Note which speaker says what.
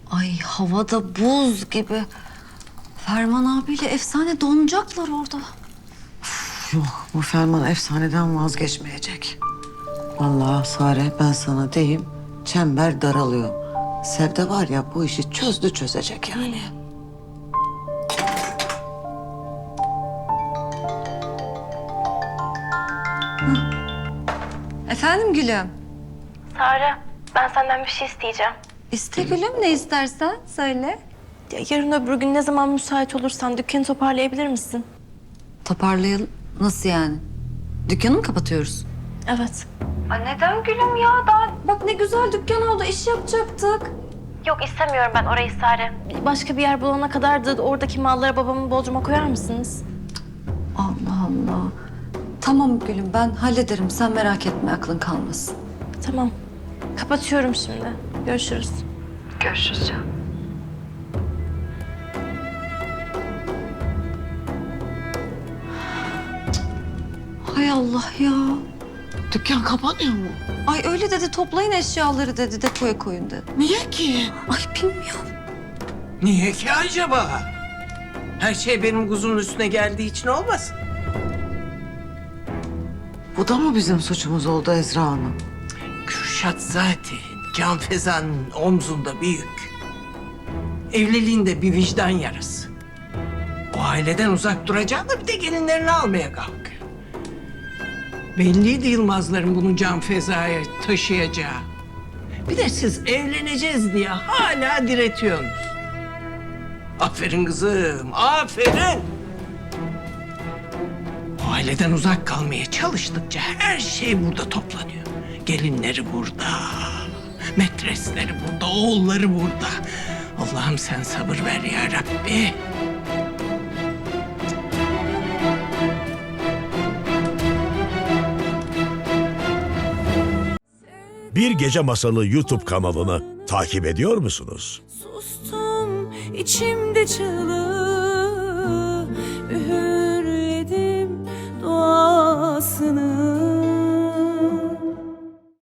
Speaker 1: Ay havada buz gibi. Ferman abiyle efsane donacaklar orada.
Speaker 2: Yok, bu Ferman efsaneden vazgeçmeyecek. Vallahi Sare, ben sana diyeyim, çember daralıyor. Sevde var ya, bu işi çözecek yani.
Speaker 1: Efendim gülüm?
Speaker 3: Sare, ben senden bir şey isteyeceğim.
Speaker 1: İste gülüm, ne istersen söyle.
Speaker 3: Ya, yarın öbür gün ne zaman müsait olursan dükkanı toparlayabilir misin?
Speaker 1: Toparlayalım. Nasıl yani? Dükkanı mı kapatıyoruz?
Speaker 3: Evet.
Speaker 1: Neden gülüm ya? Daha bak ne güzel dükkan oldu, iş yapacaktık.
Speaker 3: Yok istemiyorum ben orayı Sare. Başka bir yer bulana kadar da oradaki malları babamın bodruma koyar mısınız?
Speaker 1: Allah Allah. Tamam gülüm, ben hallederim. Sen merak etme, aklın kalmasın.
Speaker 3: Tamam. Kapatıyorum şimdi. Görüşürüz.
Speaker 1: Görüşürüz canım. Hay Allah ya.
Speaker 2: Dükkan kapanıyor mu?
Speaker 1: Ay öyle dedi, toplayın eşyaları dedi, depoya koyun dedi.
Speaker 2: Niye ki?
Speaker 1: Ay bilmiyorum.
Speaker 4: Niye ki acaba? Her şey benim kuzumun üstüne geldiği için olmasın?
Speaker 2: Bu da mı bizim suçumuz oldu Ezra Hanım?
Speaker 4: Kürşat zaten Can Feza'nın omzunda bir yük. Evliliğinde bir vicdan yarası. O aileden uzak duracağını da bir de gelinlerini almaya kalkıyor. Belliydi Yılmazların bunu Can Feza'ya taşıyacağı. Bir de siz evleneceğiz diye hala diretiyorsunuz. Aferin kızım, aferin. O aileden uzak kalmaya çalıştıkça her şey burada toplanıyor. Gelinleri burada, metresleri burada, oğulları burada. Allah'ım sen sabır ver ya Rabbi.
Speaker 5: Bir Gece Masalı YouTube kanalını takip ediyor musunuz?
Speaker 6: Sustum içimde çığlık.